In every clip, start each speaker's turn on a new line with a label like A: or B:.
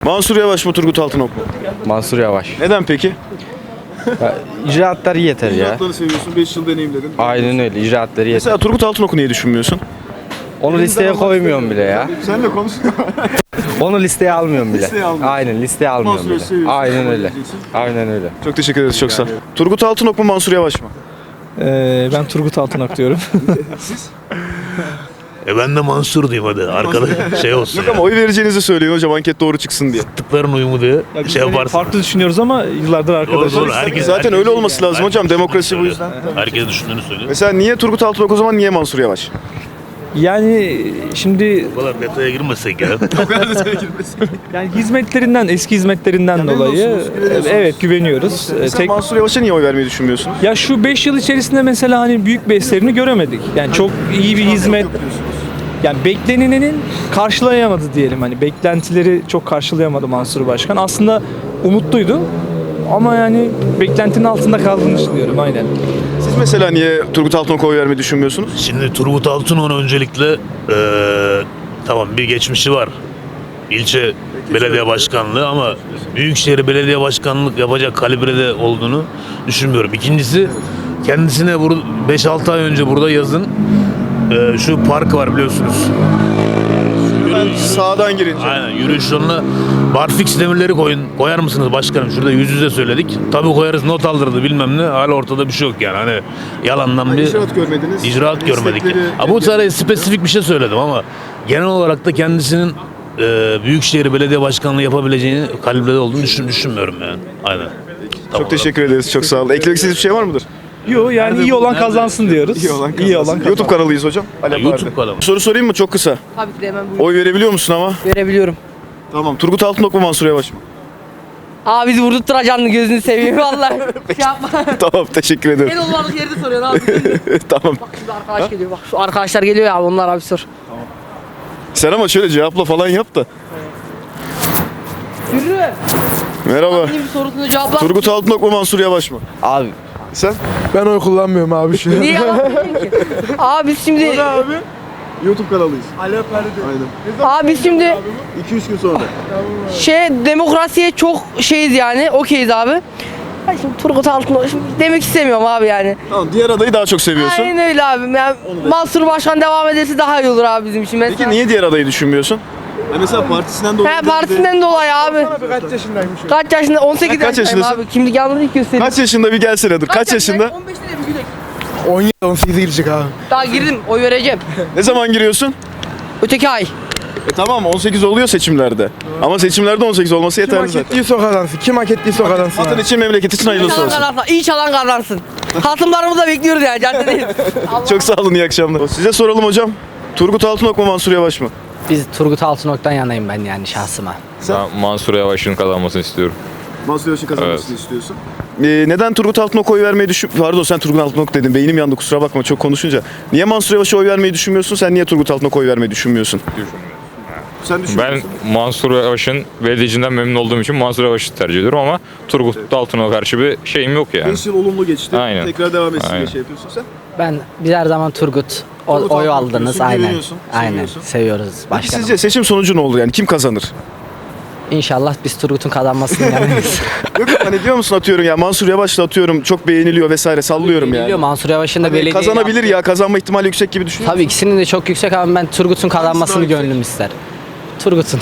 A: Mansur Yavaş mı Turgut Altınok mu?
B: Mansur Yavaş.
A: Neden peki?
B: İcraatları yeter ya.
A: İcraatları seviyorsun, 5 yıl deneyimledin.
B: Aynen öyle, icraatları yeter.
A: Mesela Turgut Altınok'u niye düşünmüyorsun?
B: Onu listeye koymuyorum bile ya.
A: Sen de konuş.
B: Onu listeye almıyorum bile.
A: Listeye almıyorum.
B: Aynen, listeye almıyorum
A: Mansur Yavaş'ı
B: bile.
A: seviyorsun,
B: Aynen
A: kabul
B: öyle.
A: edeceksin.
B: Aynen öyle.
A: Çok teşekkür ederiz, çok sağ ol. Turgut Altınok mu Mansur Yavaş mı?
C: Ben Turgut Altınok diyorum.
D: Ben de Mansur diyeyim hadi. Arkada şey olsun.
A: Yok ama oy vereceğinizi söyleyin hocam, anket doğru çıksın diye.
D: Tıkların uyumu diye şey yaparsın.
C: Farklı düşünüyoruz ama yıllardır arkadaşız.
D: Doğru. Herkes,
A: Zaten
D: herkes-
A: öyle olması lazım hocam,
D: herkes
A: demokrasi bu
D: düşündüğünü
A: yüzden.
D: söylüyor. Herkes düşündüğünü söylüyor.
A: Mesela niye Turgut Altınok o zaman, niye Mansur Yavaş?
C: Yani şimdi
D: Bu kadar detaya girmesek ya.
C: yani hizmetlerinden, eski hizmetlerinden dolayı
A: güveniyorsunuz.
C: evet güveniyoruz.
A: Mesela Mansur Yavaş'a niye oy vermeyi düşünmüyorsunuz?
C: Ya şu 5 yıl içerisinde mesela hani büyük bir eserini göremedik. Yani çok iyi bir hizmet. Yani beklenenin karşılayamadı diyelim. Hani beklentileri çok karşılayamadı Mansur Başkan. Aslında umutluydu. Ama yani beklentinin altında kaldığını düşünüyorum aynen.
A: Siz mesela niye Turgut Altınok'a oy vermeyi düşünmüyorsunuz?
D: Şimdi Turgut Altınok'un öncelikle tamam bir geçmişi var. İlçe belediye başkanlığı ama Büyükşehir Belediye Başkanlık yapacak kalibrede olduğunu düşünmüyorum. İkincisi kendisine 5-6 ay önce burada yazın şu park var biliyorsunuz.
A: Ben sağdan girince.
D: Aynen yürüyüş yoluna barfix demirleri koyar mısınız başkanım? Şurada yüz yüze söyledik. Tabii koyarız, not aldırdı bilmem ne. Hala ortada bir şey yok yani. Hani yalandan bir
A: İcraat görmediniz.
D: icraat görmedik.
A: Destekleri-
D: Bu sadece spesifik bir şey söyledim ama genel olarak da kendisinin Büyükşehir Belediye Başkanlığı yapabileceğini kalibrede olduğunu düşünmüyorum yani. Aynen.
A: Çok teşekkür ederiz, çok sağ olun. Eklemek istediğiniz bir şey var mıdır?
C: Yok yani iyi olan kazansın diyoruz.
A: İyi olan kazansın. YouTube kanalıyız hocam. Alep
D: YouTube
A: abi.
D: kanalı.
A: Soru sorayım mı? Çok kısa.
E: Tabii ki de hemen buyurun.
A: Oy verebiliyor musun ama?
E: Görebiliyorum.
A: Tamam. Turgut Altınok mu Mansur Yavaş mı?
E: Abi bizi vurdurtturacaksın gözünü seveyim vallahi. Şey yapma.
A: Tamam, teşekkür ederim.
E: En olmadık yerde soruyorsun abi.
A: Tamam.
E: Bak şimdi arkadaş geliyor bak şu arkadaşlar geliyor ya onlar abi sor.
A: Sen ama şöyle cevapla falan yap da.
E: Yürü.
A: Merhaba.
E: Benim sorusunu cevapla.
A: Turgut Altınok mu Mansur Yavaş mı?
B: Abi
A: Sen?
F: Ben oy kullanmıyorum abi şu an.
E: Niye yalan söylüyorsun ki? Abi biz şimdi
A: abi. YouTube kanalıyız. Alep Aynen.
E: abi biz şimdi
A: 2-3 gün sonra.
E: demokrasiye çok şeyiz yani okeyiz abi. Ben şimdi Turgut Altınok şimdi demek istemiyorum abi yani.
A: Tamam, diğer adayı daha çok seviyorsun.
E: Aynen öyle abi. Yani Mansur Başkan devam ederse daha iyi olur abi bizim için mesela.
A: Peki niye diğer adayı düşünmüyorsun? Mesela partisinden dolayı.
E: He partisinden dolayı abi.
F: Kaç yaşındaymış o?
E: Kaç yaşında? 18
A: Kaç
E: yaşındayım
A: yaşındasın?
E: abi. Kimlik yanlış ilk göstereyim.
A: Kaç yaşında bir gelsene dur. Kaç yaşında?
E: 15'te de bir gülek.
F: 17 18'e girecek abi.
E: Daha girdim. Oy vereceğim.
A: Ne zaman giriyorsun?
E: Öteki ay.
A: Tamam, 18 oluyor seçimlerde. Ama seçimlerde 18 olması
F: Kim
A: yeterli
F: hak
A: zaten.
F: ettiyse o kazansın. Kim hak ettiyse o kazansın.
A: Vatan
F: abi.
A: için, memleket için
E: İyi
A: hayırlısı
E: çalan
A: olsun.
E: kazansın. İyi çalan kazansın. Hasımlarımızı da bekliyoruz yani caddedeyiz.
A: Çok sağ olun, iyi akşamlar. Size soralım hocam. Turgut Altınok mu Mansur Yavaş mı?
G: Biz Turgut Altınok'tan yanayım ben yani şahsıma.
H: Ben Mansur Yavaş'ın kazanmasını istiyorum.
A: Mansur Yavaş'ın kazanmasını istiyorsun. Neden Turgut Altınok'a oy vermeyi Pardon, sen Turgut Altınok dedin. Beynim yandı, kusura bakma çok konuşunca. Niye Mansur Yavaş'a oy vermeyi düşünmüyorsun? Sen niye Turgut Altınok'a oy vermeyi düşünmüyorsun? Sen
H: Ben Mansur Yavaş'ın belediyecinden memnun olduğum için Mansur Yavaş'ı tercih ediyorum ama Turgut Altınok'a karşı bir şeyim yok yani.
A: 5 yıl olumlu geçti.
H: Aynen.
A: Tekrar devam etsin diye
H: Aynen.
A: şey yapıyorsun sen.
G: Biz her zaman Turgut
A: Turgut
G: oy
A: Altınok
G: aldınız
A: diyorsun,
G: aynen.
A: güveniyorsun,
G: Aynen
A: seviyorsun.
G: seviyoruz
A: Peki
G: başkanım.
A: sizce seçim sonucu ne olur yani? Kim kazanır?
G: İnşallah biz Turgut'un kazanmasını yanayız.
A: Yok hani diyor musun, atıyorum ya Mansur Yavaş'la atıyorum çok beğeniliyor vesaire, sallıyorum
G: Biliyor
A: yani.
G: Mansur Yavaş'ın da
A: Hani
G: belediye
A: kazanabilir ya, kazanma ihtimali yüksek gibi düşünüyor
G: Tabii ikisinin de çok yüksek ama ben Turgut'un kazanmasını
A: yüksek?
G: gönlüm ister. Turgut'un.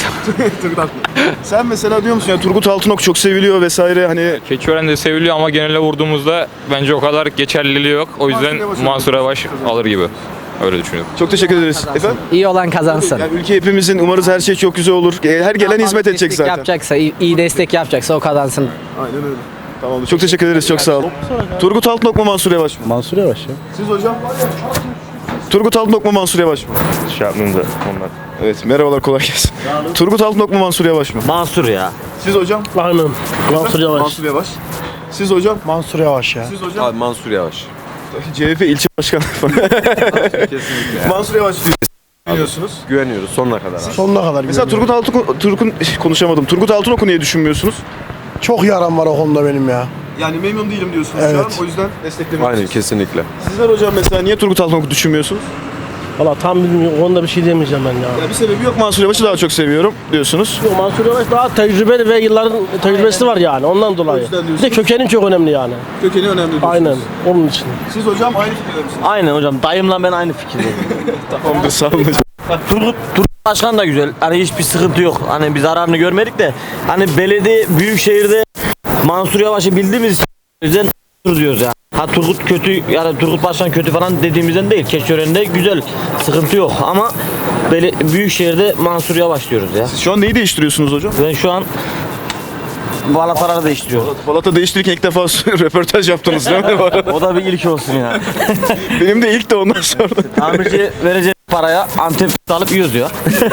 A: Sen mesela diyor musun ya Turgut Altınok çok seviliyor vesaire, hani
H: Keçiören'de seviliyor ama genele vurduğumuzda bence o kadar geçerliliği yok. O yüzden Mansur Yavaş alır gibi. Öyle düşünüyorum.
A: çok teşekkür ederiz. Efendim?
G: İyi olan kazansın.
A: Yani ülke hepimizin, umarız her şey çok güzel olur. Her gelen hizmet edecek
G: Destek
A: zaten.
G: yapacaksa, iyi destek yapacaksa o kazansın.
A: Aynen öyle. Tamamdır. Çok teşekkür ederiz. Çok sağ olun. Turgut Altınok mu Mansur Yavaş mı?
F: Mansur Yavaş ya.
A: Siz hocam? Turgut Altınok mu Mansur Yavaş mı?
H: Şey yapmayayım da onlar.
A: Evet, merhabalar, kolay gelsin. Turgut Altınok mu Mansur Yavaş mı?
B: Mansur ya.
A: Siz hocam?
F: Aynen. Mansur Yavaş.
A: Mansur Yavaş. Siz hocam?
F: Mansur Yavaş ya.
A: Siz hocam?
I: Abi Mansur Yavaş.
A: CHP ilçe başkanı falan.
I: Kesinlikle.
A: Mansur Yavaş diyorsunuz.
I: Güveniyoruz sonuna kadar abi.
F: Sonuna kadar
A: Mesela
F: güveniyorum.
A: konuşamadım. Turgut Altınok'u niye düşünmüyorsunuz?
F: Çok yaram var o konuda benim ya.
A: Yani memnun değilim diyorsunuz
F: Evet.
A: şu an. O yüzden desteklemek
I: Aynen kesinlikle.
A: Sizler hocam mesela niye Turgut Altınok'u düşünmüyorsunuz?
F: Valla tam bilmiyorum. Onda bir şey demeyeceğim ben ya.
A: Ya bir sebebi yok, Mansur Yavaş'ı daha çok seviyorum diyorsunuz.
F: Mansur Yavaş daha tecrübeli ve yılların tecrübesi var yani ondan dolayı.
A: yüzden
F: Bir
A: diyorsunuz.
F: de kökenim çok önemli yani.
A: Kökeni önemli diyorsunuz.
F: Aynen onun için.
A: Siz hocam aynı fikirde misiniz?
J: Aynen hocam. Dayımla ben aynı fikirdeyim.
A: Tamamdır, sağ olun hocam.
J: Turgut Başkan da güzel. Hani hiçbir sıkıntı yok. Hani bir zararını görmedik de. Hani belediye büyükşehirde Mansur Yavaş'ı bildiğimiz için o yüzden diyoruz yani. Ha Turgut kötü yani Turgut Başkan kötü falan dediğimizden değil. Keçiören'de güzel. Sıkıntı yok ama büyükşehirde Mansur Yavaş diyoruz ya.
A: Siz şu an neyi değiştiriyorsunuz hocam?
J: Ben şu an balataları değiştiriyorum.
A: Balata değiştirirken ilk defa röportaj yaptınız değil mi?
J: O da bir ilk olsun ya.
A: Benim de ilk de ondan sonra.
J: Tamirci verecek paraya Antep alıp yiyoruz ya.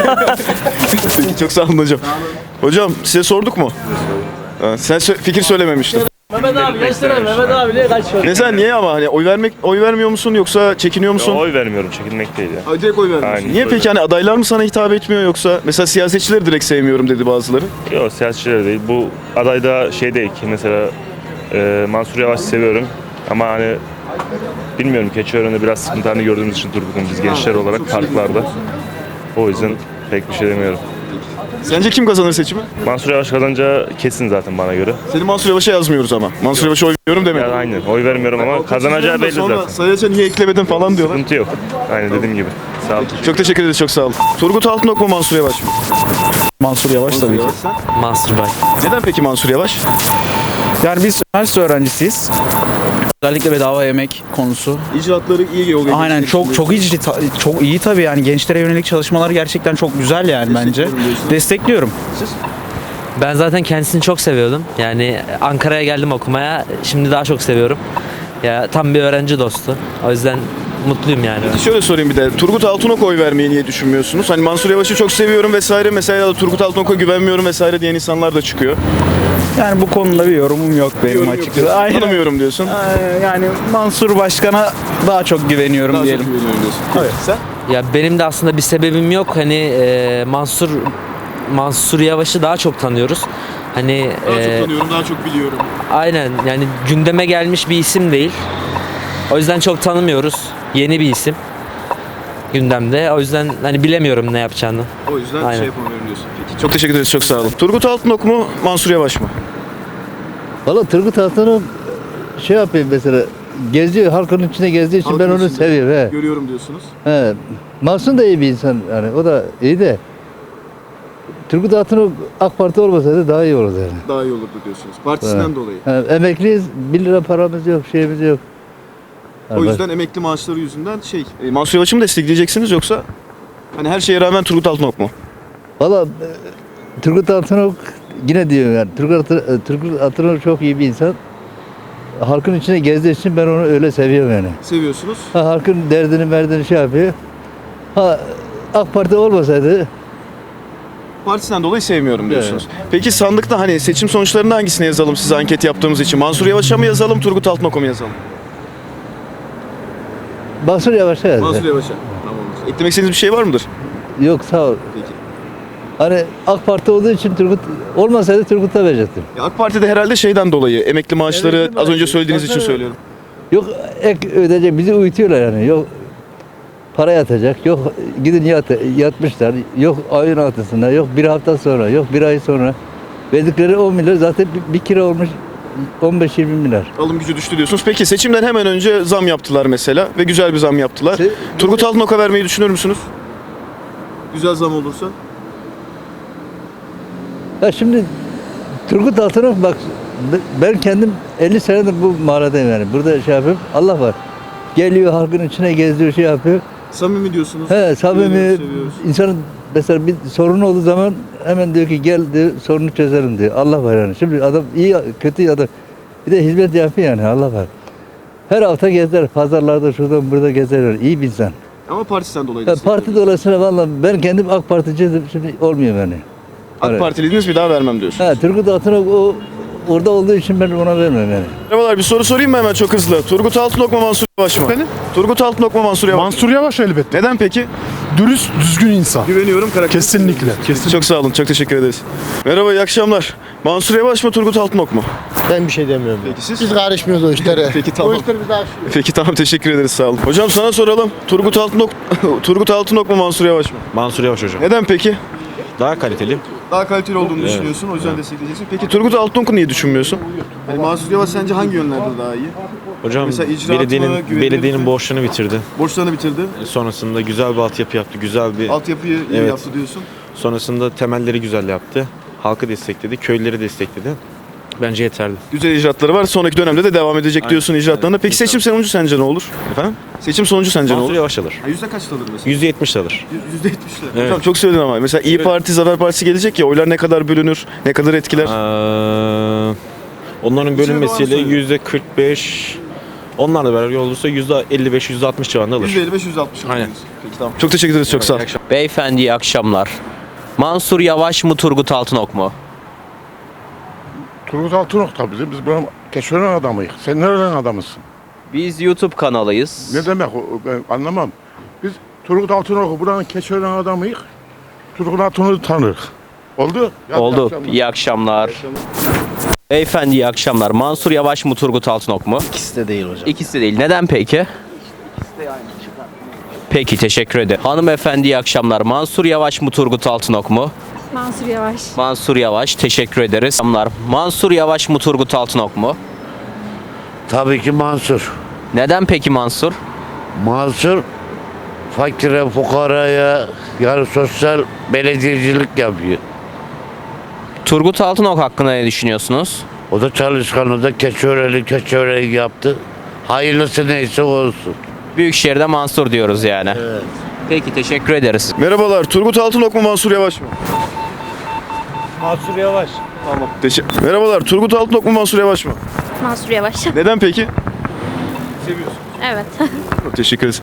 A: Peki, çok sağ olun hocam. Hocam size sorduk mu? Ha, sen fikir söylememiştin.
F: Mehmet abi geçsene Mehmet abi niye kaçıyor?
A: Ne sen niye ama hani oy vermiyor musun yoksa çekiniyor musun?
K: Oy vermiyorum, çekinmek değil ya.
A: Direkt oy vermiyorsun.
K: Aynen,
A: Niye
K: oy
A: peki hani adaylar mı sana hitap etmiyor yoksa mesela siyasetçileri direkt sevmiyorum dedi bazıları.
K: Yok, siyasetçiler değil. Bu adayda şey değil ki mesela Mansur Yavaş'ı seviyorum ama hani bilmiyorum, Keçiören'de biraz sıkıntılarını gördüğümüz için Turgut'un biz gençler olarak parklarda. O yüzden pek bir şey demiyorum.
A: Sence kim kazanır seçimi?
K: Mansur Yavaş kazanacağı kesin zaten bana göre.
A: Seni Mansur Yavaş'a yazmıyoruz ama. Mansur Yavaş'a oy veriyorum demedin.
K: Yani aynen oy vermiyorum ama kazanacağı belli
A: Sonra
K: zaten.
A: Sayaç'a niye eklemedin falan diyorlar.
K: Sıkıntı yok. Aynen dediğim gibi. Sağ olun.
A: Çok teşekkür ederiz, çok sağ olun. Turgut Altınok mu Mansur Yavaş mı?
B: Mansur Yavaş tabii ki.
G: Mansur Bey.
A: Neden peki Mansur Yavaş?
B: Yani biz üniversite öğrencisiyiz. Özellikle bedava yemek konusu.
A: İcraatları iyi yol
B: Aynen çok iyi tabii yani gençlere yönelik çalışmalar gerçekten çok güzel yani bence. Destekliyorum.
G: Ben zaten kendisini çok seviyordum. Yani Ankara'ya geldim okumaya. Şimdi daha çok seviyorum. Ya tam bir öğrenci dostu. O yüzden mutluyum yani.
A: Şöyle sorayım bir de. Turgut Altınok'a oy vermeyi niye düşünmüyorsunuz? Hani Mansur Yavaş'ı çok seviyorum vesaire. Mesela Turgut Altınok'a güvenmiyorum vesaire diyen insanlar da çıkıyor.
B: Yani bu konuda bir yorumum yok benim açıkçası. Aynen.
A: Tanımıyorum diyorsun.
B: Yani Mansur Başkan'a daha çok güveniyorum diyelim.
A: Çok güveniyorum diyorsun. Evet. Sen?
G: Ya benim de aslında bir sebebim yok. Hani Mansur Yavaş'ı daha çok tanıyoruz. Hani
A: Daha çok tanıyorum, daha çok biliyorum.
G: aynen yani gündeme gelmiş bir isim değil. O yüzden çok tanımıyoruz. Yeni bir isim gündemde. O yüzden hani bilemiyorum ne yapacağını.
A: O yüzden
G: Aynen.
A: şey yapamıyorum diyorsun. Peki. Çok teşekkür ederiz, çok sağ olun. Turgut Altınok mu, Mansur Yavaş mı?
L: Valla Turgut Altınok şey yapayım mesela geziyor halkın içinde gezdiği için
A: Halkın
L: ben onu
A: içinde.
L: seviyorum. He.
A: Görüyorum diyorsunuz.
L: He. Mansur da iyi bir insan yani o da iyi de Turgut Altınok AK Parti olmasaydı daha iyi olurdu yani.
A: Daha iyi olurdu diyorsunuz. Partisinden dolayı.
L: He, emekliyiz 1 lira paramız yok şeyimiz yok.
A: O yüzden emekli maaşları yüzünden Mansur Yavaş'ı mı destekleyeceksiniz yoksa hani her şeye rağmen Turgut Altınok mu?
L: Valla Turgut Altınok yine diyorum yani Turgut Altınok çok iyi bir insan. Halkın içine gezdiği için ben onu öyle seviyorum yani.
A: Seviyorsunuz.
L: Halkın derdini merdini şey yapıyor. AK Parti olmasaydı
A: Partisinden dolayı sevmiyorum diyorsunuz. Peki sandıkta hani seçim sonuçlarını hangisine yazalım size anket yaptığımız için? Mansur Yavaş'a mı yazalım, Turgut Altınok'a mı yazalım?
L: Mansur Yavaş'a yazdı.
A: Mansur Yavaş'a. Tamamdır. Eklemek istediğiniz bir şey var mıdır?
L: Yok sağ ol.
A: Peki.
L: Hani AK Parti olduğu için Turgut olmasaydı Turgut'a verecektim.
A: Ya AK Parti'de herhalde şeyden dolayı emekli maaşları az önce söylediğiniz için söylüyorum.
L: Yok ek ödeyecek bizi uyutuyorlar yani. Yok para yatacak. Yok gidin yatmışlar. Yok ayın altısında. Yok bir hafta sonra. Yok bir ay sonra. Verdikleri 10 milyar zaten bir kira olmuş 15-20 milyar.
A: Alım gücü düştü diyorsunuz. Peki seçimden hemen önce zam yaptılar mesela ve güzel bir zam yaptılar. Turgut Altınok'a vermeyi düşünür müsünüz? Güzel zam olursa.
L: Ya şimdi Turgut Altınok bak ben kendim 50 senedir bu mağaradayım yani. Burada şey yapıyorum. Allah var. Geliyor halkın içine geziyor şey yapıyor.
A: Samimi diyorsunuz.
L: He samimi
A: Seviyoruz.
L: insanın mesela bir sorunu olduğu zaman hemen diyor ki gel diyor sorunu çözelim diyor. Allah var yani. Şimdi adam iyi kötü adam bir de hizmet yapıyor yani Allah var. Her hafta gezer pazarlarda şuradan burada gezerler. İyi bir insan.
A: Ama partisinden dolayı.
L: Parti dolayısıyla vallahi ben kendim AK Parti'ciydim şimdi olmuyor yani.
A: AK Partiliydiniz bir daha vermem diyorsunuz.
L: He Turgut Altınok orada olduğu için ben ona vermem yani.
A: Merhabalar, bir soru sorayım mı hemen çok hızlı? Turgut Altınok mu Mansur Yavaş mı?
F: Efendim?
A: Turgut Altınok mu Mansur Yavaş mı?
F: Mansur Yavaş elbette.
A: Neden peki?
F: Dürüst, düzgün insan.
A: Güveniyorum karakter.
F: Kesinlikle.
A: Çok sağ olun, çok teşekkür ederiz. Merhaba, iyi akşamlar. Mansur Yavaş mı Turgut Altınok mu?
F: Ben bir şey demiyorum.
A: Peki siz?
F: Biz karışmıyoruz o işlere.
A: Peki, tamam.
F: O işleri biz aşıyoruz.
A: Peki tamam, teşekkür ederiz, sağ olun. Hocam sana soralım. Turgut Altınok mu Mansur Yavaş mı?
I: Mansur Yavaş hocam.
A: Neden peki?
I: Daha kaliteli.
A: Daha kaliteli olduğunu düşünüyorsun. O yüzden destekleyeceksin. Peki Turgut Altınok'u niye düşünmüyorsun? Yani Mansur Yavaş sence hangi yönlerde daha iyi?
I: Hocam
A: Mesela icraatı mı, güvenilir
I: belediyenin
A: mi?
I: borçlarını bitirdi.
A: Borçlarını bitirdi.
I: Sonrasında güzel bir altyapı yaptı. Güzel bir
A: Altyapıyı iyi
I: Evet.
A: yaptı diyorsun.
I: sonrasında temelleri güzel yaptı. Halkı destekledi, köylüleri destekledi. Bence yeterli.
A: Güzel icraatları var. Sonraki dönemde de devam edecek diyorsun icraatlarına. Peki seçim sonucu sence ne olur?
I: Efendim?
A: Seçim sonucu sence ne
I: Mansur
A: olur?
I: Yavaş alır.
A: Yüzde kaç alır mesela?
I: %70 alır.
A: %70'ler.
I: Evet.
A: Tamam, çok söyledin ama. Mesela İyi Parti, Zafer Partisi gelecek ya, oylar ne kadar bölünür, ne kadar etkiler?
I: Onların bölünmesiyle
A: İçeri doğru
I: %45, onlarla beraber olursa %55, %60 civarında alır.
A: %55-%60 alır.
I: Aynen.
A: Peki tamam. Çok teşekkür ederiz, çok sağ ol.
M: Beyefendi iyi akşamlar. Mansur Yavaş mı Turgut Altınok mu?
F: Turgut Altınok tabii. Biz buranın Keçiören adamıyız. Sen nereden adamısın?
M: Biz YouTube kanalıyız.
F: Ne demek o? Ben anlamam. Biz Turgut Altınok'u buranın Keçiören adamıyız. Turgut Altınok'u tanırız. Oldu?
M: Oldu. İyi akşamlar. Beyefendi iyi akşamlar. Mansur Yavaş mı Turgut Altınok mu?
F: İkisi de değil hocam.
M: İkisi de değil. Neden peki? Peki teşekkür ederim. Hanımefendi iyi akşamlar. Mansur Yavaş mı Turgut Altınok mu?
N: Mansur Yavaş.
M: Mansur Yavaş teşekkür ederiz. Akşamlar. Mansur Yavaş mı Turgut Altınok mu?
F: Tabii ki Mansur.
M: Neden peki Mansur?
F: Mansur fakire, fukaraya yani sosyal belediyecilik yapıyor.
M: Turgut Altınok hakkında ne düşünüyorsunuz?
F: O da çalışkan, o da Keçiören'i yaptı. Hayırlısı neyse olsun.
M: Büyükşehir'de Mansur diyoruz yani.
F: Evet.
M: Peki teşekkür ederiz.
A: Merhabalar. Turgut Altınok mu Mansur Yavaş mı?
F: Mansur Yavaş.
A: Merhabalar. Turgut Altınok mu Mansur Yavaş mı?
N: Mansur Yavaş.
A: Neden peki? Seviyorsun.
N: Evet.
A: Çok teşekkür ederiz.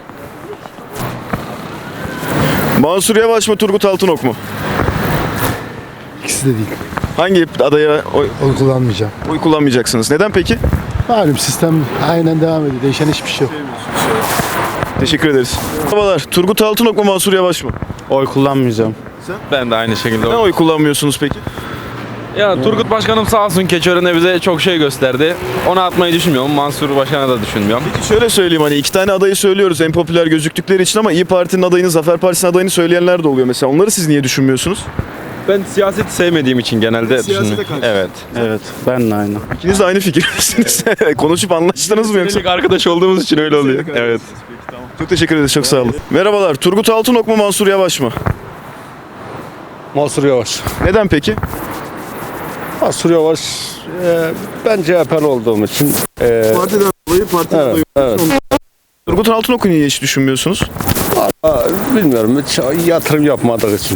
A: Mansur Yavaş mı Turgut Altınok mu?
F: İkisi de değil.
A: Hangi adaya
F: Oy kullanmayacağım.
A: oy kullanmayacaksınız? Neden peki?
F: Malum sistem aynen devam ediyor. Değişen hiçbir şey yok.
A: Teşekkür ederiz. Merhabalar. Turgut Altınok mu Mansur Yavaş mı?
H: Oy kullanmayacağım.
A: Sen?
H: Ben de aynı şekilde.
A: Neden oy kullanmıyorsunuz peki?
H: Ya Turgut Başkanım sağ olsun Keçiören'de bize çok şey gösterdi. Onu atmayı düşünmüyorum. Mansur Başkan'a da düşünmüyorum.
A: Peki şöyle söyleyeyim, hani iki tane adayı söylüyoruz en popüler gözüktükleri için ama İyi Parti'nin adayını, Zafer Partisi'nin adayını söyleyenler de oluyor mesela. Onları siz niye düşünmüyorsunuz?
H: Ben siyaseti sevmediğim için genelde
A: Siyasete
H: düşünüyorum.
A: karşı.
H: Evet.
F: Evet. Ben de aynı.
A: İkiniz de aynı fikirdesiniz. Konuşup anlaştınız mı yoksa?
H: Senelik arkadaş olduğumuz için öyle oluyor. Evet.
A: Çok teşekkür ederiz, çok sağ olun. Merhabalar. Turgut Altınok mu Mansur Yavaş mı?
F: Mansur Yavaş.
A: Neden peki?
F: Mansur Yavaş ben CHP'li olduğum için
A: Partiden dolayı partiden dolayı.
F: evet.
A: Turgut Altınok'u niye hiç düşünmüyorsunuz?
F: Bilmiyorum hiç yatırım yapmadığı için.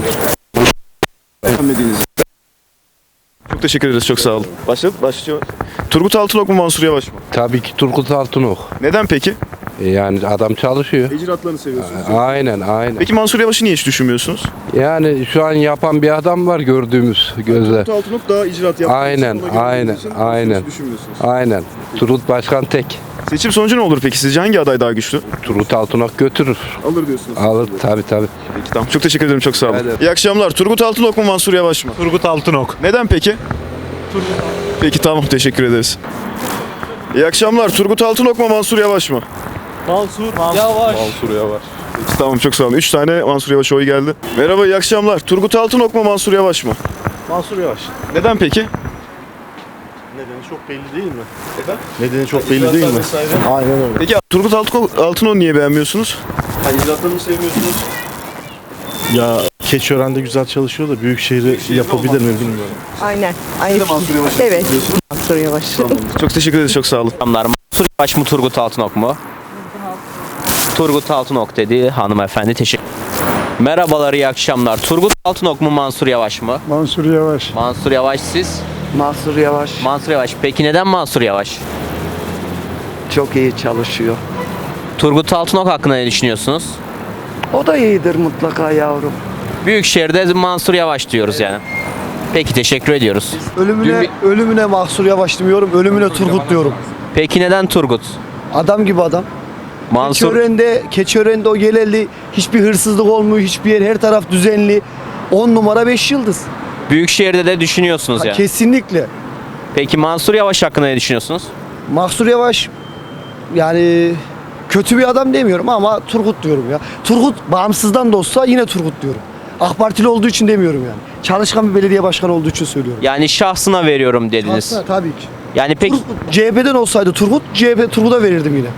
A: Çok teşekkür ederiz, çok sağ olun. Başlıyor. Turgut Altınok mu Mansur Yavaş mı?
O: Tabii ki Turgut Altınok.
A: Neden peki?
O: Yani adam çalışıyor.
A: İcraatlarını seviyorsunuz.
O: Aynen.
A: Peki Mansur Yavaş'ı niye hiç düşünmüyorsunuz?
O: Yani şu an yapan bir adam var gördüğümüz gözle.
A: Turgut Altınok daha icraat yaptı.
O: Aynen. Turgut Başkan tek.
A: Seçim sonucu ne olur peki? Sizce hangi aday daha güçlü?
O: Turgut Altınok götürür.
A: Alır diyorsunuz.
O: Alır tabii.
A: Peki tamam. Çok teşekkür ederim. Çok sağ olun.
O: Evet.
A: İyi akşamlar. Turgut Altınok mu Mansur Yavaş mı?
K: Turgut Altınok.
A: Neden peki? Peki tamam. Teşekkür ederiz. İyi akşamlar. Turgut Altınok mu Mansur Yavaş mı?
K: Mansur Yavaş.
A: Peki, tamam, çok sağ olun. 3 tane Mansur Yavaş oy geldi. Merhaba, iyi akşamlar. Turgut Altınok mu Mansur Yavaş mı?
K: Mansur Yavaş.
A: Neden peki?
K: Nedeni çok belli değil mi? Nedeni çok belli değil mi? Aynen öyle.
A: Peki Turgut Altınok'u niye beğenmiyorsunuz? İcraatlarını mı sevmiyorsunuz?
K: Ya Keçiören'de güzel çalışıyor da Büyükşehir'i yapabilir mi bilmiyorum.
E: Aynen.
A: Mansur Yavaş'ı
E: Evet.
A: seviyorsunuz?
E: Mansur Yavaş.
A: Çok teşekkür ederiz, çok sağ olun.
M: Akşamlar. Mansur Yavaş mı Turgut Altınok mu? Turgut Altınok dedi hanımefendi. Teşekkür. Merhabalar, iyi akşamlar. Turgut Altınok mu Mansur Yavaş mı?
F: Mansur Yavaş.
M: Mansur Yavaş siz?
L: Mansur Yavaş
M: Mansur Yavaş. Peki neden Mansur Yavaş?
L: çok iyi çalışıyor.
M: Turgut Altınok hakkında ne düşünüyorsunuz?
L: O da iyidir mutlaka yavrum.
M: Büyükşehir'de Mansur Yavaş diyoruz yani. Peki teşekkür ediyoruz.
F: Ölümüne Mansur Yavaş demiyorum, ölümüne Turgut diyorum.
M: Peki neden Turgut?
F: Adam gibi adam.
M: Mansur
F: Keçiören'de o geleli hiçbir hırsızlık olmuyor, hiçbir yer, her taraf düzenli. 10 numara 5 yıldız.
M: Büyükşehir'de de düşünüyorsunuz yani.
F: Kesinlikle.
M: Peki Mansur Yavaş hakkında ne düşünüyorsunuz?
P: Mansur Yavaş yani kötü bir adam demiyorum ama Turgut diyorum ya. Turgut bağımsızdan da olsa yine Turgut diyorum. AK Partili olduğu için demiyorum yani. Çalışkan bir belediye başkanı olduğu için söylüyorum.
M: Yani şahsına veriyorum dediniz.
P: Aslında tabii ki.
M: Yani peki
P: CHP'den olsaydı Turgut'a verirdim yine.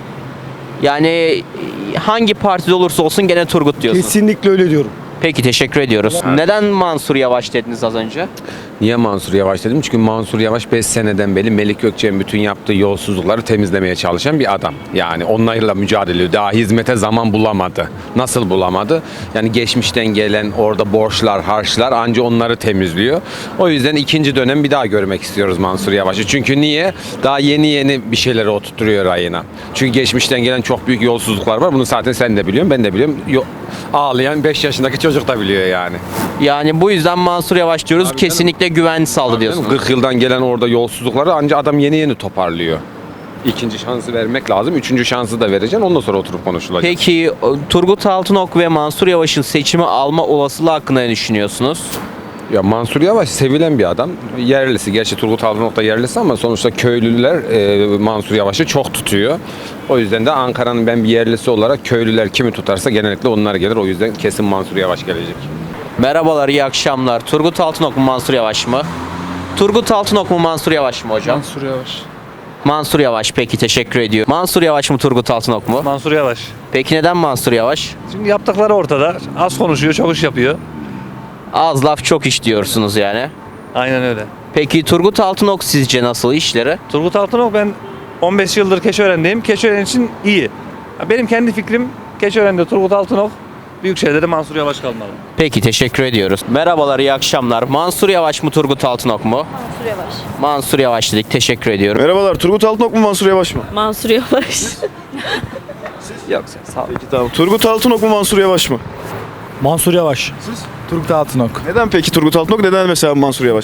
M: yani hangi partide olursa olsun gene Turgut diyorsunuz.
P: Kesinlikle öyle diyorum.
M: Peki teşekkür ediyoruz. Neden Mansur Yavaş dediniz az önce?
O: Niye Mansur Yavaş dedim? Çünkü Mansur Yavaş 5 seneden beri Melik Gökçek'in bütün yaptığı yolsuzlukları temizlemeye çalışan bir adam. Yani onlarla mücadele ediyor. Daha hizmete zaman bulamadı. Nasıl bulamadı? Yani geçmişten gelen orada borçlar, harçlar anca onları temizliyor. O yüzden ikinci dönem bir daha görmek istiyoruz Mansur Yavaş'ı. Çünkü niye? Daha yeni bir şeyleri oturtturuyor ayına. Çünkü geçmişten gelen çok büyük yolsuzluklar var. Bunu zaten sen de biliyorsun, ben de biliyorum. Ağlayan 5 yaşındaki çocuk da biliyor yani.
M: Yani bu yüzden Mansur Yavaş diyoruz. Kesinlikle güven sağladı diyorsunuz.
O: 40 yıldan gelen orada yolsuzlukları anca adam yeni toparlıyor. İkinci şansı vermek lazım. Üçüncü şansı da vereceksin. Ondan sonra oturup konuşulacak.
M: Peki Turgut Altınok ve Mansur Yavaş'ın seçimi alma olasılığı hakkında ne düşünüyorsunuz?
O: Ya Mansur Yavaş sevilen bir adam. Yerlisi. Gerçi Turgut Altınok da yerlisi ama sonuçta köylüler Mansur Yavaş'ı çok tutuyor. O yüzden de Ankara'nın ben bir yerlisi olarak köylüler kimi tutarsa genellikle onlar gelir. O yüzden kesin Mansur Yavaş gelecek.
M: Merhabalar, iyi akşamlar. Turgut Altınok mu Mansur Yavaş mı? Turgut Altınok mu Mansur Yavaş mı hocam?
C: Mansur Yavaş.
M: Mansur Yavaş, peki teşekkür ediyorum. Mansur Yavaş mı Turgut Altınok mu?
J: Mansur Yavaş.
M: Peki neden Mansur Yavaş?
J: Çünkü yaptıkları ortada. Az konuşuyor, çok iş yapıyor.
M: Az laf çok iş diyorsunuz yani.
J: Aynen öyle.
M: Peki Turgut Altınok sizce nasıl işleri?
J: Turgut Altınok ben 15 yıldır Keçiören'deyim. Keçiören için iyi. Benim kendi fikrim Keçiören'de Turgut Altınok, Büyükşehir'de de Mansur Yavaş kalmalı.
M: Peki teşekkür ediyoruz. Merhabalar, iyi akşamlar. Mansur Yavaş mı Turgut Altınok mu?
N: Mansur Yavaş.
M: Mansur Yavaş dedik, teşekkür ediyorum.
A: Merhabalar, Turgut Altınok mu Mansur Yavaş mı?
N: Mansur Yavaş.
M: Yok sağ olun.
A: Peki tamam. Turgut Altınok mu Mansur Yavaş mı?
C: Mansur Yavaş.
B: Turgut Altınok.
A: Neden peki Turgut Altınok? Neden mesela Mansur Yavaş?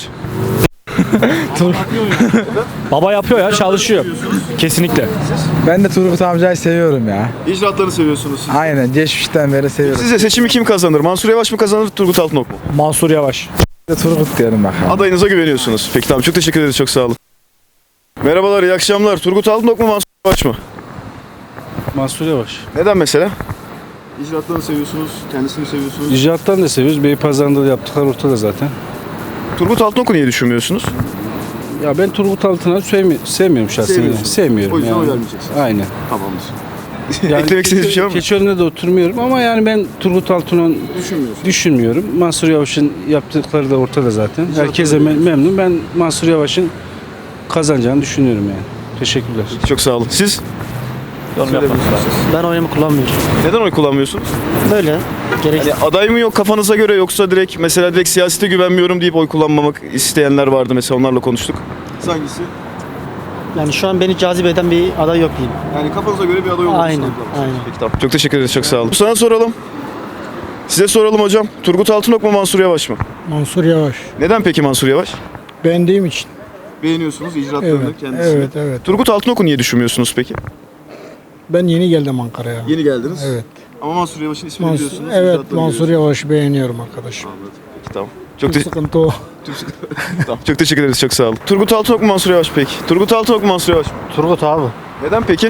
C: Baba yapıyor ya, çalışıyor. Kesinlikle.
B: Ben de Turgut amcayı seviyorum ya.
A: İcraatlarını seviyorsunuz siz.
B: Aynen geçmişten beri seviyorum.
A: Sizce seçimi kim kazanır? Mansur Yavaş mı kazanır, Turgut Altınok mu?
C: Mansur Yavaş.
B: Turgut diyorum bakalım.
A: Adayınıza güveniyorsunuz. Peki tamam, çok teşekkür ederiz, çok sağ olun. Merhabalar, iyi akşamlar. Turgut Altınok mu Mansur Yavaş mı?
C: Mansur Yavaş.
A: Neden mesela? İcraatlarını seviyorsunuz, kendisini seviyorsunuz.
C: İcraattan da seviyoruz. Beypazarı'nda da yaptıkları ortada zaten.
A: Turgut Altınok'u niye düşünmüyorsunuz?
C: Ya ben Turgut Altınok'u sevmiyorum şahsen.
A: Sevmiyorsunuz.
C: Sevmiyorum
A: O yüzden
C: yani.
A: oy vermeyeceksiniz.
C: Aynen.
A: Tamamdır. Eklemek istediğiniz bir şey var mı?
C: Keçiören'de de oturmuyorum ama yani ben Turgut Altınok'u düşünmüyorum. Mansur Yavaş'ın yaptıkları da ortada zaten. Herkese memnun. Ben Mansur Yavaş'ın kazanacağını düşünüyorum yani. Teşekkürler.
A: Çok sağ olun. Siz?
P: Ben oyumu kullanmıyorum.
A: Neden oy kullanmıyorsunuz?
P: Böyle.
A: Yani aday mı yok kafanıza göre, yoksa direkt siyasete güvenmiyorum deyip oy kullanmamak isteyenler vardı, mesela onlarla konuştuk. Hangisi?
P: Yani şu an beni cazip eden bir aday yok diyeyim.
A: Yani kafanıza göre bir aday olmadı.
P: Aynen.
A: Peki tamam. Çok teşekkür ederiz, çok sağ olun. Sana soralım. Size soralım hocam. Turgut Altınok mu Mansur Yavaş mı?
B: Mansur Yavaş.
A: Neden peki Mansur Yavaş?
B: Beğendiğim için.
A: Beğeniyorsunuz icraatlarını, kendisini.
B: Evet.
A: Turgut Altınok'u niye düşünmüyorsunuz peki?
B: Ben yeni geldim Ankara'ya.
A: Yeni geldiniz.
B: Evet.
A: Ama Mansur Yavaş'ın ismini biliyorsunuz.
B: Evet,
A: icraatlarını
B: Mansur
A: biliyorsunuz.
B: Yavaş'ı beğeniyorum arkadaşım.
A: Anladım. Peki tamam.
B: Sıkıntı o.
A: Tamam, çok teşekkür ederiz, çok sağ olun. Turgut Altınok mu Mansur Yavaş peki? Turgut Altınok mu Mansur Yavaş mı?
P: Turgut abi.
A: Neden peki?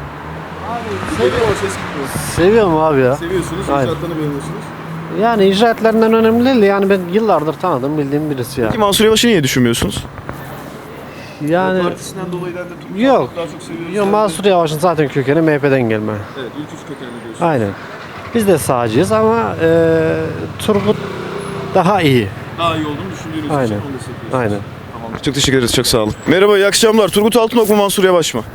P: Seviyorum abi ya.
A: Seviyorsunuz,
P: Aynen.
A: icraatlarını beğeniyorsunuz.
P: Yani icraatlerinden önemli değil. Yani ben yıllardır tanıdım, bildiğim birisi ya.
A: Peki Mansur Yavaş'ı niye düşünmüyorsunuz?
P: Yani
A: Partisinden dolayı da Turgut
P: yok.
A: Altınok'u daha çok seviyoruz.
P: Yok, Mansur Yavaş'ın zaten kökeni MHP'den gelme.
A: Evet, ülkücü kökenli diyorsunuz.
P: Aynen. Biz de sağcıyız ama Turgut daha iyi.
A: Daha iyi olduğunu düşündüğünüz için
P: Aynen.
A: onu destekliyorsunuz.
P: Aynen.
A: Tamamdır. Çok teşekkür ederiz, çok sağ olun. Merhaba, iyi akşamlar. Turgut Altınok mu Mansur Yavaş mı?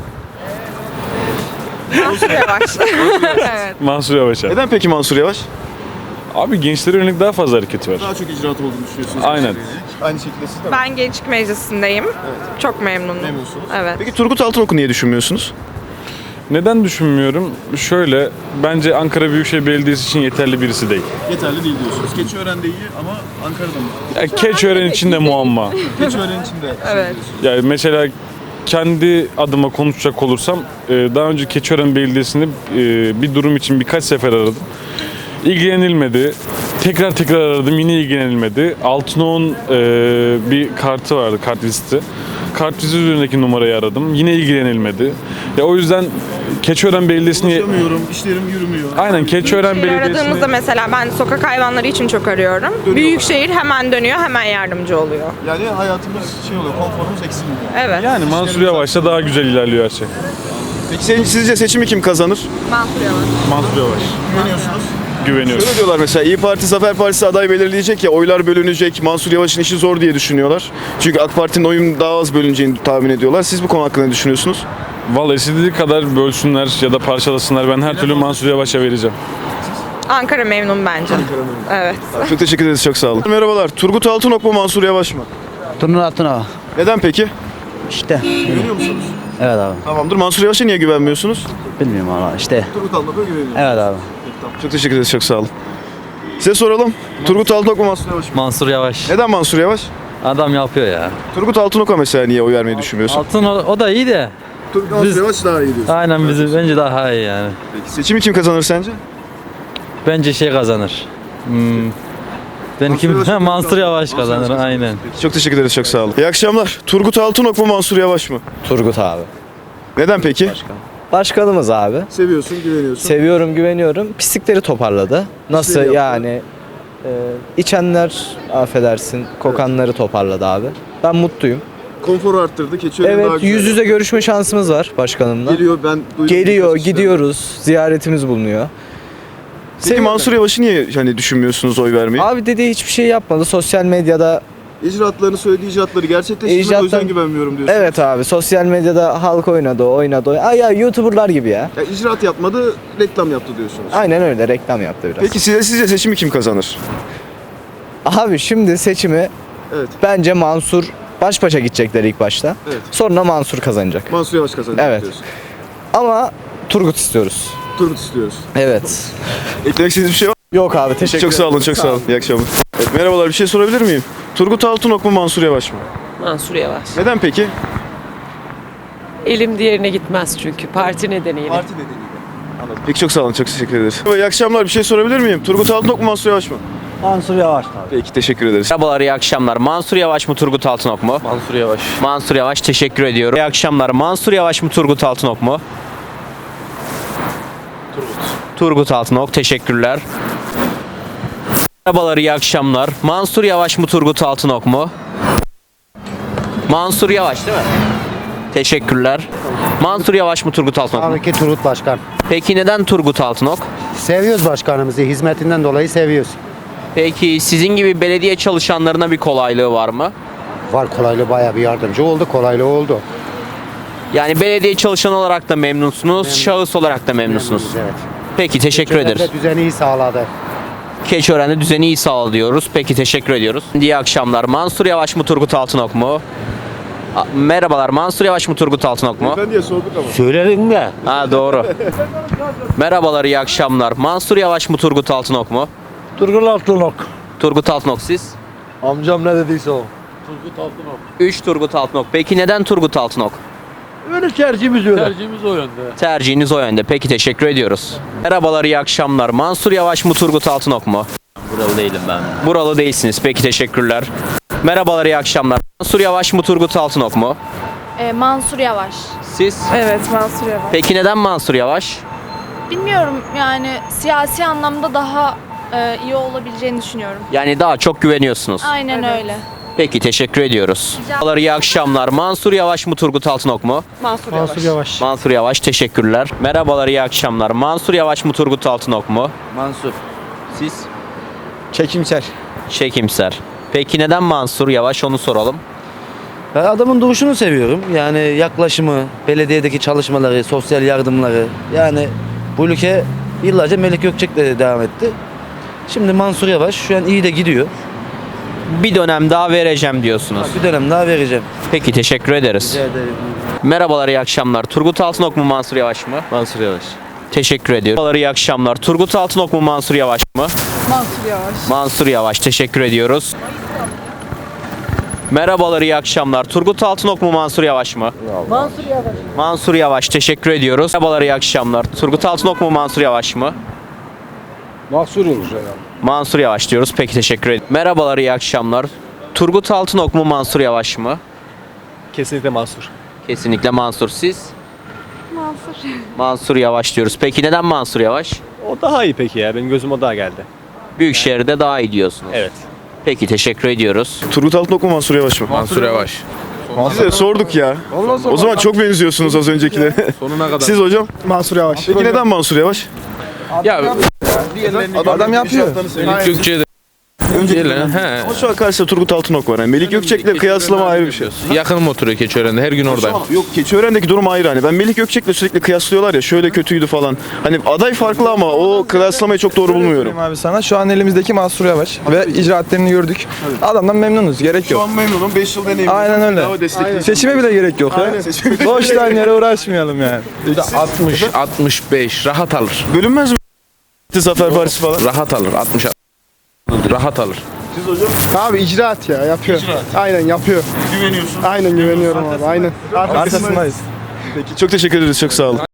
N: Mansur Yavaş. Evet.
C: Mansur Yavaş abi.
A: Neden peki Mansur Yavaş?
C: Abi gençlere yönelik daha fazla hareketi var.
A: Daha çok icraat olduğunu düşünüyorsunuz.
C: Aynen.
A: Aynı şekilde siz de mi?
N: Ben Gençlik Meclisi'ndeyim. Çok memnunum.
A: Memnunsunuz.
N: Evet.
A: Peki Turgut Altınok'u niye düşünmüyorsunuz?
C: Neden düşünmüyorum? Şöyle, bence Ankara Büyükşehir Belediyesi için yeterli birisi değil.
A: Yeterli değil diyorsunuz. Keçiören'de iyi ama Ankara'da mı?
C: Ya Keçiören için de muamma.
A: Keçiören içinde.
N: Evet.
C: Yani mesela kendi adıma konuşacak olursam daha önce Keçiören Belediyesi'nde bir durum için birkaç sefer aradım. İlgilenilmedi. Tekrar aradım, yine ilgilenilmedi. Altınok'un bir kartı vardı, kart listi.
Q: kartvizit üzerindeki numarayı aradım. Yine ilgilenilmedi. Ya o yüzden Keçiören Belediyesi'ni...
A: işlerim yürümüyor.
Q: Aynen Keçiören Belediyesi'ni...
N: Aradığımızda mesela ben sokak hayvanları için çok arıyorum. Büyükşehir hemen dönüyor, hemen yardımcı oluyor.
A: Yani hayatımız oluyor, konforumuz eksilmiyor.
N: Evet.
Q: Yani Mansur Yavaş'ta daha güzel ilerliyor her şey.
A: Peki sizce seçimi kim kazanır?
N: Mansur Yavaş.
Q: Mansur Yavaş.
A: Güveniyorsunuz.
Q: Güveniyoruz.
A: Şöyle diyorlar mesela İyi Parti Zafer Partisi aday belirleyecek ya oylar bölünecek. Mansur Yavaş'ın işi zor diye düşünüyorlar. Çünkü AK Parti'nin oyun daha az bölüneceğini tahmin ediyorlar. Siz bu konu hakkında ne düşünüyorsunuz?
Q: Vallahi istediği kadar bölsünler ya da parçalasınlar. Ben her türlü Mansur Yavaş'a vereceğim.
N: Ankara memnun bence. Evet.
A: Çok teşekkür ederiz, çok sağ olun. Merhabalar. Turgut Altınok mu Mansur Yavaş mı?
B: Turgut Altınok.
A: Neden peki?
B: İşte.
A: Güveniyor musunuz?
B: Evet abi.
A: Tamamdır. Mansur Yavaş'a niye güvenmiyorsunuz?
B: Bilmiyorum valla işte.
A: Turgut Altınok'a güveniyorsunuz.
B: Evet abi.
A: Çok teşekkür ederiz, çok sağ olun. Size soralım. Turgut Altınok mu Mansur Yavaş mı?
G: Mansur Yavaş.
A: Neden Mansur Yavaş?
G: Adam yapıyor ya.
A: Turgut Altınok'a mesela niye oy vermeyi düşünmüyorsun?
G: Altın o da iyi de.
A: Turgut Mansur Yavaş daha iyi diyorsun.
G: Aynen bizi bence daha iyi yani.
A: Peki seçimi kim kazanır sence?
G: Bence şey kazanır. Ben Mansur Yavaş kazanır aynen.
A: Peki, çok teşekkür ederiz, çok sağ olun. İyi akşamlar. Turgut Altınok mu Mansur Yavaş mı?
J: Turgut abi.
A: Neden peki?
J: Başkanımız abi.
A: Seviyorsun, güveniyorsun.
J: Seviyorum, güveniyorum. Pislikleri toparladı. Nasıl
A: yaptı?
J: yani? İçenler affedersin, kokanları toparladı abi. Ben mutluyum.
A: Konforu arttırdı. Keçiören daha
J: Evet,
A: güzel.
J: yüz yüze görüşme şansımız var başkanımla.
A: Geliyor, ben duydum.
J: Geliyor, gidiyoruz. Ziyaretimiz bulunuyor.
A: Peki Mansur Yavaş'ı niye hani düşünmüyorsunuz oy vermeyi?
J: Abi dediği hiçbir şey yapmadı. Sosyal medyada
A: İcraatlarını söylediği icraatları gerçekleştirmedi, o yüzden güvenmiyorum diyorsun.
J: evet abi, sosyal medyada halk oynadı. Ay ya YouTuber'lar gibi ya.
A: Ya icraat yapmadı, reklam yaptı diyorsunuz.
J: Aynen öyle, reklam yaptı biraz.
A: Peki sizce seçimi kim kazanır?
J: Abi şimdi seçimi
A: Evet.
J: bence Mansur baş başa gidecekler ilk başta.
A: Evet.
J: Sonra Mansur kazanacak.
A: Mansur Yavaş kazanacak
J: Evet.
A: diyorsun.
J: Ama Turgut istiyoruz.
A: Turgut istiyoruz.
J: Evet.
A: Eklemek istediğiniz bir şey var mı?
J: Yok abi, teşekkür
A: Çok sağ olun, çok sağ olun. İyi akşamlar. Evet, merhabalar, bir şey sorabilir miyim? Turgut Altınok mu Mansur Yavaş mı?
R: Mansur Yavaş.
A: Neden peki?
R: Elim diğerine gitmez çünkü parti nedeniyle.
A: Parti nedeniyle. Anladım. Peki çok sağ olun, çok teşekkür ederiz. İyi akşamlar, bir şey sorabilir miyim? Turgut Altınok mu Mansur Yavaş mı?
B: Mansur Yavaş tabii.
A: Peki teşekkür ederiz.
M: Merhabalar, iyi akşamlar. Mansur Yavaş mı Turgut Altınok mu?
H: Mansur Yavaş.
M: Mansur Yavaş, teşekkür ediyorum. İyi akşamlar. Mansur Yavaş mı Turgut Altınok mu? Turgut Altınok, teşekkürler. Merhabalar, iyi akşamlar. Mansur Yavaş mı Turgut Altınok mu? Mansur Yavaş değil mi? Teşekkürler. Mansur Yavaş mı Turgut Altınok mu?
S: Tabii ki Turgut Başkan.
M: Peki neden Turgut Altınok?
S: Seviyoruz başkanımızı. Hizmetinden dolayı seviyoruz.
M: Peki sizin gibi belediye çalışanlarına bir kolaylığı var mı?
S: Var, kolaylığı bayağı bir yardımcı oldu. Kolaylığı oldu.
M: Yani belediye çalışanı olarak da memnunsunuz, şahıs olarak da memnunsunuz.
S: Evet.
M: Peki, teşekkür ederiz.
S: Çevrede düzeni iyi sağladı.
M: Keçiören'de düzeni iyi sağladı diyoruz. Peki, teşekkür ediyoruz. İyi akşamlar. Mansur Yavaş mı Turgut Altınok mu? Merhabalar. Mansur Yavaş mı Turgut Altınok mu?
A: Ben diye sorduk ama.
J: Söyledim de.
M: Ha, doğru. Merhabalar, iyi akşamlar. Mansur Yavaş mı Turgut Altınok mu?
J: Turgut Altınok.
M: Turgut Altınok, siz?
J: Amcam ne dediyse o.
M: 3 Turgut Altınok. Peki neden Turgut Altınok?
J: Öyle tercihimiz öyle.
M: Tercihiniz o yönde. Peki, teşekkür ediyoruz. Merhabalar, iyi akşamlar. Mansur Yavaş mı Turgut Altınok mu?
G: Buralı değilim ben.
M: Buralı değilsiniz. Peki, teşekkürler. Merhabalar, iyi akşamlar. Mansur Yavaş mı Turgut Altınok mu?
T: Mansur Yavaş.
M: Siz?
N: Evet, Mansur Yavaş.
M: Peki neden Mansur Yavaş?
T: Bilmiyorum, yani siyasi anlamda daha iyi olabileceğini düşünüyorum.
M: Yani daha çok güveniyorsunuz.
T: Aynen öyle.
M: Peki, teşekkür ediyoruz. Merhabalar, iyi akşamlar. Mansur Yavaş mı Turgut Altınok mu?
N: Mansur Yavaş.
M: Mansur Yavaş, teşekkürler. Merhabalar, iyi akşamlar. Mansur Yavaş mı Turgut Altınok mu?
J: Mansur.
M: Siz?
J: Çekimser.
M: Çekimser. Peki neden Mansur Yavaş, onu soralım.
J: Ben adamın duruşunu seviyorum. Yani yaklaşımı, belediyedeki çalışmaları, sosyal yardımları. Yani bu ülke yıllarca Melik Gökçek'le devam etti. Şimdi Mansur Yavaş şu an iyi de gidiyor.
M: Bir dönem daha vereceğim diyorsunuz.
J: Bir dönem daha vereceğim.
M: Peki, teşekkür ederiz.
J: Rica ederim.
M: Merhabalar, iyi akşamlar. Turgut Altınok mu Mansur Yavaş mı?
J: Mansur Yavaş.
M: Teşekkür ediyorum. Merhabalar, iyi akşamlar. Turgut Altınok mu Mansur Yavaş mı?
N: Mansur Yavaş.
M: Mansur Yavaş, teşekkür ediyoruz. Merhabalar, iyi akşamlar. Turgut Altınok mu Mansur Yavaş mı?
N: Mansur Yavaş.
M: Mansur Yavaş, teşekkür ediyoruz. Merhabalar, iyi akşamlar. Turgut Altınok mu Mansur Yavaş mı?
J: Mansur olur herhalde.
M: Mansur Yavaş diyoruz. Peki, teşekkür ederim. Merhabalar, iyi akşamlar. Turgut Altınok mu Mansur Yavaş mı?
U: Kesinlikle Mansur.
M: Kesinlikle Mansur. Siz?
T: Mansur.
M: Mansur Yavaş diyoruz. Peki neden Mansur Yavaş?
U: O daha iyi peki ya. Benim gözüm o daha geldi.
M: Büyükşehir'de daha iyi diyorsunuz.
U: Evet.
M: Peki teşekkür ediyoruz.
A: Turgut Altınok mu Mansur Yavaş mı?
O: Mansur Yavaş.
A: Size sorduk ya. O zaman çok benziyorsunuz az öncekilere.
O: Sonuna kadar.
A: Siz hocam?
P: Mansur Yavaş.
A: Peki neden Mansur Yavaş?
O: Ya
A: Adam yapıyor.
O: Melik Gökçe'ye de he.
A: Ama şu an karşısında Turgut Altınok var. Yani Melik Gökçek'le kıyaslama ayrı bir şey.
O: Yakınım oturuyor Keçiören'de. Her gün orada.
A: Yok Keçiören'deki durum ayrı hani. Ben Melik Gökçek'le sürekli kıyaslıyorlar ya şöyle kötüydü falan. Hani aday farklı ama o kıyaslamayı çok doğru bulmuyorum.
V: Abi sana şu an elimizdeki Mansur Yavaş ve icraatlerini gördük. Adamdan memnunuz. Gerek yok.
A: Şu an memnunum. 5 yıl deneyim.
V: Aynen öyle. Seçime bile gerek yok ya. Boş yere uğraşmayalım yani.
O: 60, 65 rahat alır.
A: Bölünmez mi? Zafer Partisi falan.
O: Rahat alır. 60 rahat alır.
A: Siz hocam?
P: Abi icraat ya yapıyor. Aynen yapıyor.
A: Güveniyorsun.
P: Aynen güveniyorum abi. Aynen.
V: Arkasındayız.
A: Peki çok teşekkür ederiz. Çok sağ olun.